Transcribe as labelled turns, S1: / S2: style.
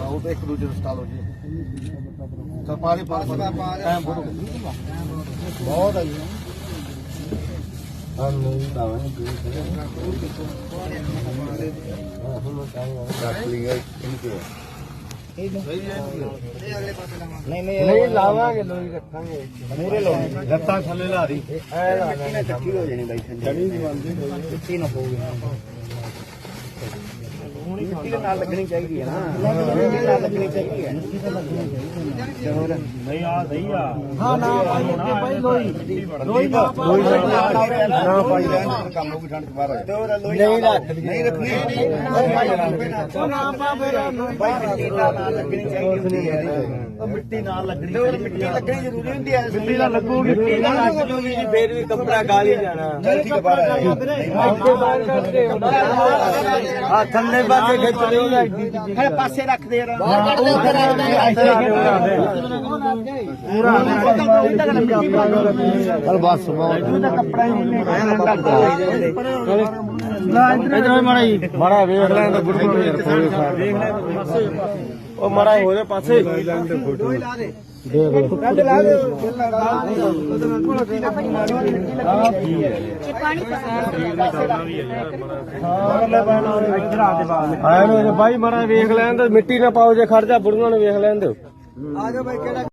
S1: वो तो एक दूसरे इंस्टॉल हो जी चल पानी टाइम बहुत है हम नहीं दावे नहीं लावांगे लोई रखांगे पूरे लोग लत्ता थले ला दी ऐ लाना इकट्ठी हो जानी भाई जड़ी नहीं बनदी इकट्ठी ना होगी मिट्टी के नाल लगनी चाहिए ना मिट्टी नाल लगनी चाहिए नहीं आ सही आ हां ना भाई लोई ना भाई काम लोग ठंड बाहर नहीं रखनी ना पा फिर भाई मिट्टी नाल लगनी चाहिए मिट्टी नाल लगनी मिट्टी लगनी जरूरी होती है मिट्टी नाल लगूगी मिट्टी नाल लगूगी फिर भी कपड़ा गाली जाना चल ठीक है बाहर करते हां ठंडे पासे खिच ले फिर पासे रख दे पूरा बस कपड़ा माड़ा वेख लें तो माड़ा हो जाए पासे भाई माड़ा वेख लें तो मिट्टी ना पाओ जे खड़ जा बुढ़िया ने वेख लें।